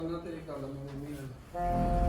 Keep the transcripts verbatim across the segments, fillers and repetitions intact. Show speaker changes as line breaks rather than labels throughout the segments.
ਨਾ ਤੇਰੀ ਗੱਲ ਮੈਂ ਮੰਮੀ ਨਾਲ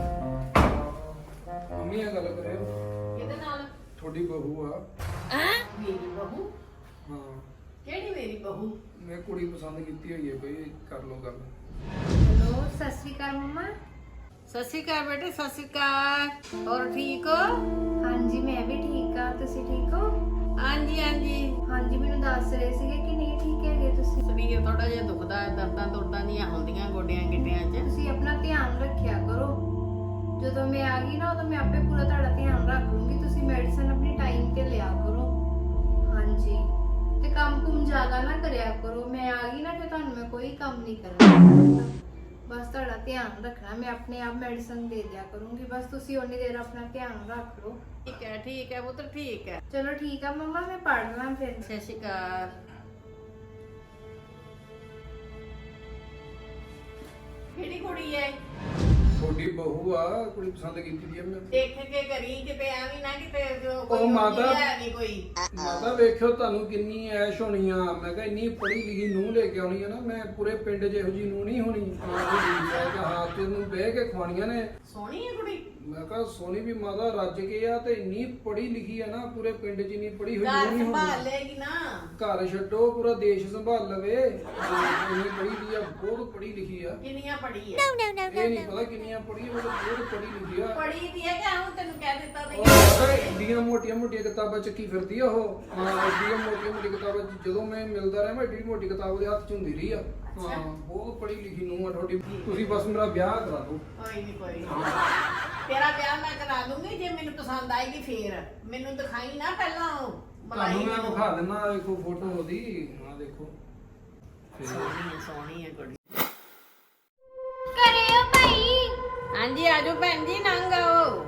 ਮੰਮੀ ਨਾਲ ਗੱਲ ਕਰਿਓ।
ਕਿਹਦੇ ਨਾਲ?
ਤੁਹਾਡੀ ਬਹੂ ਆ।
ਮੇਰੀ ਬਹੂ?
ਹਾਂ।
ਕਿਹੜੀ ਮੇਰੀ ਬਹੂ?
ਮੈਂ ਕੁੜੀ ਪਸੰਦ ਕੀਤੀ ਹੋਈ ਹੈ ਬਈ, ਕਰ ਲਓ ਗੱਲ।
ਹੈਲੋ, ਸਤਿ ਸ਼੍ਰੀ ਅਕਾਲ ਮੰਮਾ।
ਸਤਿ ਸ਼੍ਰੀ ਅਕਾਲ ਬੇਟੇ, ਸਤਿ ਸ਼੍ਰੀ ਅਕਾਲ। ਹੋਰ ਠੀਕ ਹੋ?
ਹਾਂਜੀ ਮੈਂ ਵੀ ਠੀਕ ਆ, ਤੁਸੀਂ ਠੀਕ ਹੋ?
ਹਾਂਜੀ ਹਾਂਜੀ।
ਹਾਂਜੀ ਮੈਨੂੰ ਦੱਸ ਰਹੇ ਸੀਗੇ ਕਿ ਨਹੀਂ ਠੀਕ ਹੈਗੇ ਤੁਸੀਂ।
ਸਰੀਰ ਥੋੜਾ ਜਿਹਾ ਦੁਖਦਾ ਹੈ, ਦਰਦਾਂ ਦੁਰਦਾਂ ਨਹੀਂ ਹੁੰਦੀਆਂ ਗੋਡਿਆਂ ਗਿੱਟਿਆਂ 'ਚ।
ਤੁਸੀਂ ਆਪਣਾ ਧਿਆਨ ਰੱਖਿਆ ਕਰੋ। ਜਦੋਂ ਮੈਂ ਆ ਗਈ ਨਾ ਉਦੋਂ ਮੈਂ ਆਪੇ ਪੂਰਾ ਤੁਹਾਡਾ ਧਿਆਨ ਰੱਖ ਲੂੰਗੀ। ਤੁਸੀਂ ਮੈਡੀਸਨ ਆਪਣੀ ਟਾਈਮ ਤੇ ਲਿਆ ਕਰੋ। ਹਾਂਜੀ ਤੇ ਕੰਮ ਕੁਮ ਜ਼ਿਆਦਾ ਨਾ ਕਰਿਆ ਕਰੋ। ਮੈਂ ਆ ਗਈ ਨਾ ਫਿਰ ਤੁਹਾਨੂੰ ਮੈਂ ਕੋਈ ਕੰਮ ਨਹੀਂ ਕਰਨਾ। ਬਸ ਤੁਹਾਡਾ ਧਿਆਨ ਰੱਖਣਾ, ਮੈਂ ਆਪਣੇ ਆਪ ਮੈਡੀਸਨ ਦੇ ਦਿਆ ਕਰੂੰਗੀ। ਬਸ ਤੁਸੀਂ ਉਨੀ ਦੇਰ ਆਪਣਾ ਧਿਆਨ ਰੱਖ ਲਓ।
ਠੀਕ ਹੈ ਠੀਕ ਹੈ ਪੁੱਤਰ, ਠੀਕ ਹੈ।
ਚਲੋ ਠੀਕ ਆ ਮੰਮਾ, ਮੈਂ ਪੜ੍ਹ ਲਾਂ ਫਿਰ।
ਸਤਿ ਸ਼੍ਰੀ ਅਕਾਲ। ਕਿਹੜੀ ਕੁੜੀ ਹੈ?
ਤੁਹਾਡੀ ਬਹੂ ਆ, ਕੁੜੀ ਪਸੰਦ ਕੀਤੀ ਦੀ ਆ ਮੈਂ।
ਦੇਖ ਕੇ ਕਰੀ ਕਿਤੇ ਐਵੇਂ ਨਾ ਕਿਤੇ ਜੋ
ਉਹ
ਕੋਈ
ਮਾਤਾ-
ਹੈ ਨਹੀਂ ਕੋਈ।
ਮਾਤਾ ਵੇਖਿਓ ਤੁਹਾਨੂੰ ਕਿੰਨੀ ਐਸ਼ ਹੋਣੀ ਆ। ਮੈਂ ਕਿਹਾ ਇੰਨੀ ਪੜ੍ਹੀ ਲਿਖੀ ਨੂੰਹ ਲੈ ਕੇ ਆਉਣੀ ਆ ਨਾ ਮੈਂ, ਪੂਰੇ ਪਿੰਡ 'ਚ ਇਹੋ ਜਿਹੀ ਨੂੰਹ ਨਹੀਂ ਹੋਣੀ। ਹੱਥ ਨੂੰ ਬਹਿ ਕੇ ਖਵਾਉਣੀਆਂ ਨੇ।
ਸੋਹਣੀ ਹੈ ਕੁੜੀ?
ਮੈਂ ਕਿਹਾ ਸੋਨੀ ਵੀ ਮਾਤਾ ਰੱਜ ਕੇ ਆ ਤੇ ਇੰਨੀ ਪੜ੍ਹੀ ਲਿਖੀ ਆ ਨਾ, ਪੂਰੇ ਪਿੰਡ 'ਚ ਇੰਨੀ ਪੜ੍ਹੀ ਹੋਈ
ਘਰ
ਨੂੰਹ ਨਹੀਂ
ਸੰਭਾਲ
ਹੋਣੀ।
ਲੇਗੀ ਨਾ।
ਘਰ ਛੱਡੋ, ਪੂਰਾ ਦੇਸ਼ ਸੰਭਾਲ ਲਵੇ। ਇੰਨੀ ਪੜ੍ਹੀ ਦੀ ਆ, ਬਹੁਤ ਪੜ੍ਹੀ ਲਿਖੀ ਆ।
ਕਿੰਨੀਆਂ ਪੜੀ ਹੈ?
ਇਹ ਨਹੀਂ ਪਤਾ ਕਿੰਨੀਆਂ ਪੜ੍ਹੀ, ਉਹ ਬਹੁਤ ਪੜ੍ਹੀ ਲਿਖੀ ਆ।
ਪੜੀ ਦੀ ਹੈ ਕਿ ਆਉਂ ਤੈਨੂੰ ਕਹਿ ਦਿੱਤਾ
ਉਹ
ਤੇ
ਮਾਤਾ ਇੰਡੀਆਂ ਮੋਟੀਆਂ ਮੋਟੀਆਂ ਕਿਤਾਬਾਂ ਚੱਕੀ ਫਿਰਦੀ ਆ ਉਹ। ਹਾਂ ਇੰਡੀਆਂ ਮੋਟੀਆਂ ਮੋਟੀਆਂ ਕਿਤਾਬਾਂ, ਜਦੋਂ ਮੈਂ ਮਿਲਦਾ ਰਿਹਾ ਮੈਂ ਏਡੀ ਮੋਟੀ ਕਿਤਾਬ ਉਹਦੇ ਹੱਥ 'ਚ ਹੁੰਦੀ ਰਹੀ ਆ। ਹਾਂ ਬਹੁਤ ਪੜ੍ਹੀ ਲਿਖੀ ਨੂੰਹ ਆ ਤੁਹਾਡੀ। ਤੁਸੀਂ ਬਸ ਮੇਰਾ ਵਿਆਹ ਕਰਾ ਦਿਓ।
ਕੋਈ ਨਹੀਂ ਕੋਈ ਨੀ। ਤੇਰਾ ਵਿਆਹ ਮੈਂ ਕਰਾ ਦੂੰਗੀ ਜੇ ਮੈਨੂੰ ਪਸੰਦ ਆਏਗੀ ਫੇਰ। ਮੈਨੂੰ ਦਿਖਾਈ ਨਾ ਪਹਿਲਾਂ ਉਹ
ਤੁਹਾਨੂੰ ਮੈਂ ਵਿਖਾ ਦਿੰਦਾ, ਦੇਖੋ ਫੋਟੋ ਉਹਦੀ। ਆਹ ਦੇਖੋ
ਸੋਹਣੀ ਹੈ ਸੋਹਣੀ ਹੈ ਕੁੜੀ।
ਕਰਿਓ ਭਾਈ।
ਹਾਂਜੀ ਆਜੋ ਭੈਣ ਜੀ, ਨੰਗ ਆਓ।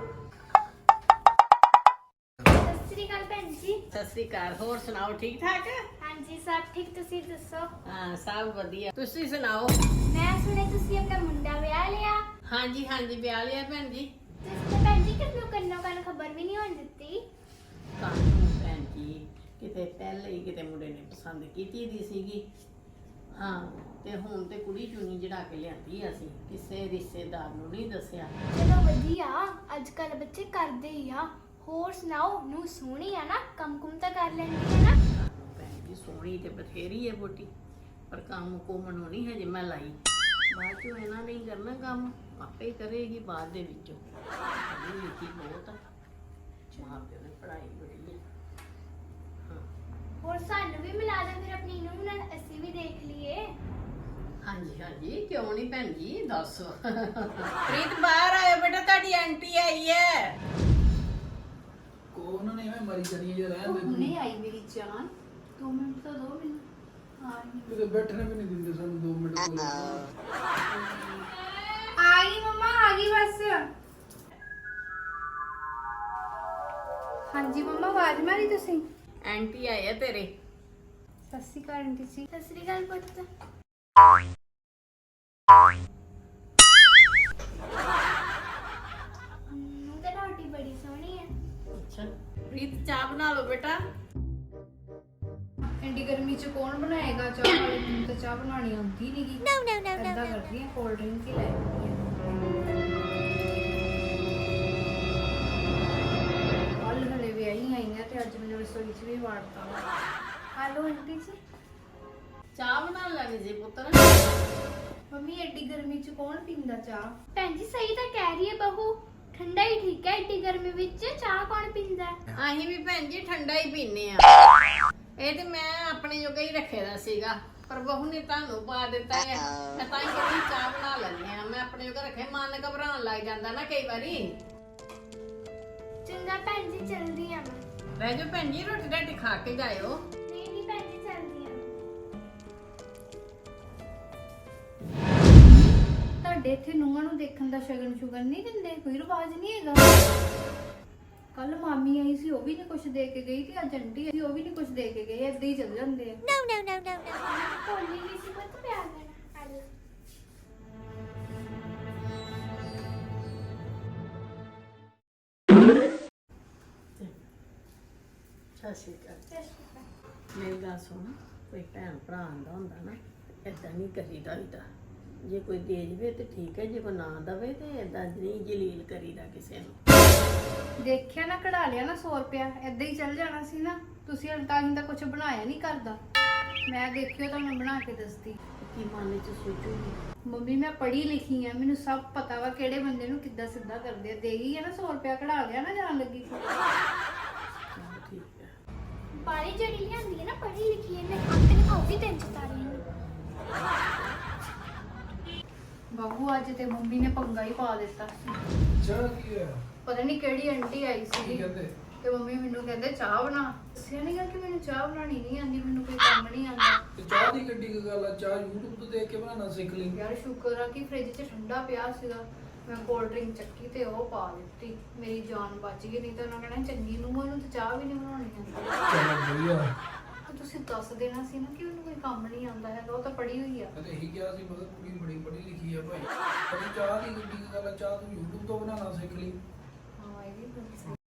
ਸਤਿ ਸ਼੍ਰੀ ਅਕਾਲ ਭੈਣ ਜੀ।
ਸਤਿ ਸ੍ਰੀ ਅਕਾਲ। ਹੋਰ ਸੁਣਾਓ, ਠੀਕ ਠਾਕ?
ਹਾਂਜੀ ਸਭ ਠੀਕ, ਤੁਸੀਂ ਦੱਸੋ?
ਹਾਂ ਸਭ ਵਧੀਆ, ਤੁਸੀਂ ਸੁਣਾਓ?
ਮੈਂ ਸੁਣਿਆ ਤੁਸੀਂ ਆਪਣਾ ਮੁੰਡਾ ਵਿਆਹ ਲਿਆ।
ਹਾਂਜੀ ਹਾਂਜੀ ਵਿਆਹ ਲਿਆ ਭੈਣ ਜੀ।
ਤੁਸੀਂ ਭੈਣ ਜੀ ਕਿਸ ਨੂੰ ਕੰਨੋਂ ਕੰਨ ਖਬਰ ਵੀ ਨਹੀਂ ਹੋਣ ਦਿੱਤੀ।
ਕਾਹਨੂੰ ਭੈਣ ਜੀ, ਕਿਤੇ ਪਹਿਲੇ ਹੀ ਕਿਤੇ ਮੁੰਡੇ ਨੇ ਪਸੰਦ ਕੀਤੀ ਦੀ ਸੀਗੀ। ਹਾਂ ਤੇ ਹੁਣ ਤੇ ਕੁੜੀ ਚੁਣੀ ਜੜਾ ਕੇ ਲਿਆਂਦੀ ਅਸੀਂ, ਕਿਸੇ ਰਿਸ਼ਤੇਦਾਰ ਨੂੰ ਨਹੀਂ ਦੱਸਿਆ।
ਚਲੋ ਵਧੀਆ, ਅੱਜ ਕੱਲ ਬੱਚੇ ਕਰਦੇ ਹੀ ਆ। ਹੋਰ ਸੁਣਾਓ, ਨੂੰ ਸੋਹਣੀ ਆ ਨਾ, ਕੰਮ ਕੁਮ ਤਾਂ ਕਰ ਲੈਂਦੀ ਹੈ ਨਾ?
ਭੈਣ ਜੀ ਸੋਹਣੀ ਤੇ ਬਥੇਰੀ ਹੈ ਬੋਟੀ, ਪਰ ਕੰਮ ਕੁਮ ਨੂੰ ਨਹੀਂ ਹਜੇ ਮੈਂ ਲਾਈ। ਬਾਅਦ ਚੋਂ ਇਹਨਾਂ ਨੇ ਹੀ ਕਰਨਾ ਕੰਮ, ਆਪੇ ਕਰੇਗੀ ਬਾਅਦ ਦੇ ਵਿੱਚੋਂ। ਪੜ੍ਹੀ ਲਿਖੀ ਬਹੁਤ ਆ, ਮਾਂ ਪਿਓ ਨੇ ਪੜ੍ਹਾਈ ਬੜੀ ਹੈ। ਹਾਂ
ਹੋਰ ਸਾਨੂੰ ਵੀ ਮਿਲਾ ਦੇ ਫਿਰ ਆਪਣੀ ਨੂੰ ਨਾਲ, ਅਸੀਂ ਵੀ ਦੇਖ ਲਈਏ।
ਹਾਂਜੀ ਹਾਂਜੀ ਕਿਉਂ ਨਹੀਂ ਭੈਣ ਜੀ, ਦੱਸ। ਪ੍ਰੀਤ ਬਾਹਰ ਆਇਓ ਬੇਟਾ, ਤੁਹਾਡੀ ਆਂਟੀ ਆਈ ਹੈ।
ਕੋ ਉਹਨਾਂ ਨੇ ਐਵੇਂ ਮਰੀ ਜਾਣੀ ਜੇ ਰਹਿਣ ਦੇ।
ਹੁਣੇ ਆਈ ਮੇਰੀ ਜਾਨ, ਦੋ ਮਿੰਟ ਤਾਂ ਦੋ ਮੈਨੂੰ। ਹਾਂ
ਕਿਤੇ ਬੈਠਣੇ ਵੀ ਨਹੀਂ ਦਿੰਦੇ ਸਾਨੂੰ ਦੋ ਮਿੰਟ ਕੋਲ।
ਆ ਗਈ ਮੰਮਾ, ਆ ਗਈ ਬਸ। ਹਾਂਜੀ ਮੰਮਾ, ਆਵਾਜ਼ ਮਾਰੀ ਤੁਸੀਂ?
ਆਂਟੀ ਆਏ ਆ ਤੇਰੇ।
ਸਤਿ ਸ਼੍ਰੀ ਅਕਾਲ ਆਂਟੀ ਜੀ।
ਸਤਿ ਸ੍ਰੀ ਅਕਾਲ ਪੁੱਤ। ਨੂੰ ਤਾਂ ਰੋਟੀ ਬੜੀ ਸੋਹਣੀ ਹੈ।
ਅੱਛਾ ਪ੍ਰੀਤ ਚਾਹ ਬਣਾ ਲਓ ਬੇਟਾ।
ਐਂਡੀ ਗਰਮੀ ਚ ਕੌਣ ਬਣਾਏਗਾ ਚਾਹ? ਵਾਲੇ ਮੈਨੂੰ ਤਾਂ ਚਾਹ ਬਣਾਉਣੀ ਆਉਂਦੀ ਨਹੀਂ ਗੀ। ਨੋ ਨੋ ਨੋ ਨੋ ਕਰਦੀ ਆ, ਕੋਲਡ ਡਰਿੰਕ ਹੀ ਲੈ ਆਉਂਦੀ ਆ। ਕੱਲ ਹਲੇ ਵਿਆਹੀ ਆਈ ਆ ਤੇ ਅੱਜ ਮੈਨੂੰ ਰਸੋਈ ਚ ਵੀ ਵਾੜਤਾ। ਹੈਲੋ ਆਂਟੀ ਜੀ।
ਚਾਹ ਬਣਾ ਲੈਣੀ ਸੀ ਪੁੱਤਰ।
ਮੰਮੀ ਐਡੀ ਗਰਮੀ ਚ ਕੌਣ ਪੀਂਦਾ ਚਾਹ?
ਭੈਣ ਜੀ ਸਹੀ ਤਾਂ ਕਹਿ ਰਹੀ ਹੈ ਬਹੂ, ਠੰਡਾ ਹੀ ਠੀਕ ਹੈ। ਏਡੀ ਗਰਮੀ ਵਿੱਚ ਚਾਹ ਕੌਣ ਪੀਂਦਾ?
ਅਸੀਂ ਵੀ ਭੈਣ ਜੀ ਠੰਡਾ ਹੀ ਪੀਨੇ ਆ। ਇਹ ਤੇ ਮੈਂ ਆਪਣੇ ਜੋਗਾ ਹੀ ਰੱਖੇ ਦਾ ਸੀਗਾ, ਪਰ ਬਹੂ ਨੇ ਤੁਹਾਨੂੰ ਪਾ ਦਿੱਤਾ ਹੈ। ਮੈਂ ਤਾਂ ਹੀ ਕਹਿੰਦੀ ਚਾਹ ਬਣਾ ਲੈਂਦੇ ਆ, ਮੈਂ ਆਪਣੇ ਜੋਗਾ ਰੱਖੇ। ਮਨ ਘਬਰਾਉਣ ਲੱਗ ਜਾਂਦਾ ਨਾ ਕਈ ਵਾਰੀ।
ਚੰਗਾ ਭੈਣ ਜੀ, ਚਲਦੀ ਆ ਮੈਂ।
ਰਹਿ ਜਾਓ ਭੈਣ ਜੀ, ਰੋਟੀ ਰਾਟੀ ਖਾ ਕੇ ਜਾਇਓ।
ਨਹੀਂ ਨਹੀਂ ਭੈਣ ਜੀ, ਚਲਦੀ ਆ।
ਤੁਹਾਡੇ ਇੱਥੇ ਨੂੰਹਾਂ ਨੂੰ ਦੇਖਣ ਦਾ ਸ਼ਗਨ ਸ਼ੁਗਨ ਨਹੀਂ ਦਿੰਦੇ? ਕੋਈ ਰਿਵਾਜ ਨਹੀਂ ਹੈਗਾ? ਕੱਲ ਮਾਮੀ ਆਈ ਸੀ, ਉਹ ਵੀ ਨਹੀਂ ਕੁਝ ਦੇ ਕੇ ਗਈ, ਤੇ ਅੱਜ ਆਂਟੀ ਆਈ, ਉਹ ਵੀ ਨਹੀਂ ਕੁਝ ਦੇ ਕੇ ਗਈ। ਏਦਾਂ ਹੀ ਚੱਲ ਜਾਂਦੇ ਆ।
ਨੋ ਨੋ ਨੋ ਨੋ ਨੋ ਭੋਲੀ ਨਹੀਂ ਸੀ ਪੁੱਤ, ਪਿਆਰ ਦੇਣਾ। ਹਲ
ਸਤਿ ਸ਼੍ਰੀ ਅਕਾਲ। ਮੇਰੀ ਗੱਲ ਸੁਣ, ਕੋਈ ਭੈਣ ਭਰਾ ਆਂਦਾ ਹੁੰਦਾ ਨਾ, ਏਦਾਂ ਨਹੀਂ ਕਰੀਦਾ ਹੁੰਦਾ। ਜੇ ਕੋਈ ਦੇ ਜਵੇ ਤੇ ਠੀਕ ਹੈ, ਜੇ ਕੋਈ ਨਾ ਦਵੇ ਤੇ ਏਦਾਂ ਨਹੀਂ ਜਲੀਲ ਕਰੀਦਾ ਕਿਸੇ ਨੂੰ।
ਦੇਖਿਆ ਨਾ, ਕਢਾ ਲਿਆ ਨਾ ਸੌ ਰੁਪਇਆ, ਏਦਾਂ ਹੀ ਚੱਲ ਜਾਣਾ ਸੀ ਨਾ। ਤੁਸੀਂ ਹਲ ਤਾਂ ਹੀ ਤਾਂ ਕੁਝ ਬਣਾਇਆ ਨਹੀਂ ਕਰਦਾ। ਮੈਂ ਦੇਖਿਓ ਤਾਂ ਮੈਂ ਬਣਾ ਕੇ ਦੱਸਦੀ।
ਕੀ ਮਨ ਚ ਸੋਚੂਗੀ?
ਮੰਮੀ ਮੈਂ ਪੜ੍ਹੀ ਲਿਖੀ ਆ, ਮੈਨੂੰ ਸਭ ਪਤਾ ਵਾ ਕਿਹੜੇ ਬੰਦੇ ਨੂੰ ਕਿੱਦਾਂ ਸਿੱਧਾ ਕਰਦੇ ਆ। ਦੇ ਗਈ ਆ ਨਾ ਸੌ ਰੁਪਇਆ, ਕਢਾ ਲਿਆ ਨਾ ਜਾਣ ਲੱਗੀ।
ਚਲੋ ਠੀਕ ਹੈ।
ਬਾਰੀ ਜਿਹੜੀ ਲਿਆਂਦੀ ਹੈ ਨਾ ਪੜ੍ਹੀ ਲਿਖੀ, ਇਹਨੇ ਆਪੇ ਖਾਉਗੀ ਤਿੰਨ ਚਤਾਰੀ ਨੂੰ।
ਬਾਬੂ ਅੱਜ ਤੇ ਮੰਮੀ ਨੇ ਪੰਗਾ ਹੀ ਪਾ ਦਿੱਤਾ।
ਚਾਹ ਕੀ ਹੈ?
ਪਤਾ ਨਹੀਂ ਕਿਹੜੀ ਆਂਟੀ ਆਈ
ਕੀ
ਸੀ
ਕਹਿੰਦੇ?
ਤੇ ਮੰਮੀ ਮੈਨੂੰ ਕਹਿੰਦੇ ਚਾਹ ਬਣਾ। ਦੱਸਿਆ ਨਹੀਂ ਗਾ ਕਿ ਮੈਨੂੰ ਚਾਹ ਬਣਾਉਣੀ ਨਹੀਂ ਆਉਂਦੀ, ਮੈਨੂੰ ਕੋਈ ਕੰਮ ਨਹੀਂ ਆਉਂਦਾ।
ਤੇ ਚਾਹ ਦੀ ਕਿੱਡੀ ਕੁ ਗੱਲ ਆ, ਚਾਹ YouTube ਤੋਂ ਦੇਖ ਕੇ ਬਣਾਉਣਾ ਸਿੱਖ ਲਈ।
ਯਾਰ ਸ਼ੁਕਰ ਆ ਕਿ ਫ੍ਰਿਜ 'ਚ ਠੰਡਾ ਪਿਆ ਸੀਗਾ। ਮੈਂ ਕੋਲਡ ਡਰਿੰਕ ਚੱਕੀ ਤੇ ਉਹ ਪਾ ਦਿੱਤੀ, ਮੇਰੀ ਜਾਨ ਬਚ ਗਈ। ਨਹੀਂ ਤਾਂ ਉਹਨਾਂ ਕਹਿਣਾ ਚੰਗੀ ਨੂੰ ਉਹਨੂੰ ਤੇ ਚਾਹ ਵੀ ਨਹੀਂ ਬਣਾਉਣੀ ਆਉਂਦੀ।
ਚਲੋ ਵਧੀਆ।
ਤੇ ਤੁਸੀਂ ਦੱਸ ਦੇਣਾ ਸੀ ਨਾ ਕਿ ਉਹਨੂੰ ਕੋਈ ਕੰਮ ਨਹੀਂ ਆਉਂਦਾ ਹੈਗਾ, ਉਹ ਤਾਂ ਪੜ੍ਹੀ ਹੋਈ ਆ।
ਮੈਂ ਤਾਂ ਇਹੀ ਕਿਹਾ ਸੀ, ਮਗਰ ਕੁੜੀ ਬੜੀ ਪੜ੍ਹੀ ਲਿਖੀ ਆ ਭਾਈ। ਪਰ ਚਾਹ ਦੀ ਕਿੱਡੀ ਕੁ ਗੱਲ ਆ, ਚਾਹ ਤੂੰ YouTube ਤੋਂ ਬਣਾਉਣਾ ਸਿੱਖ ਲਈ।
ਹਾਂ ਇਹ ਵੀ ਗੱਲ ਸਹੀ।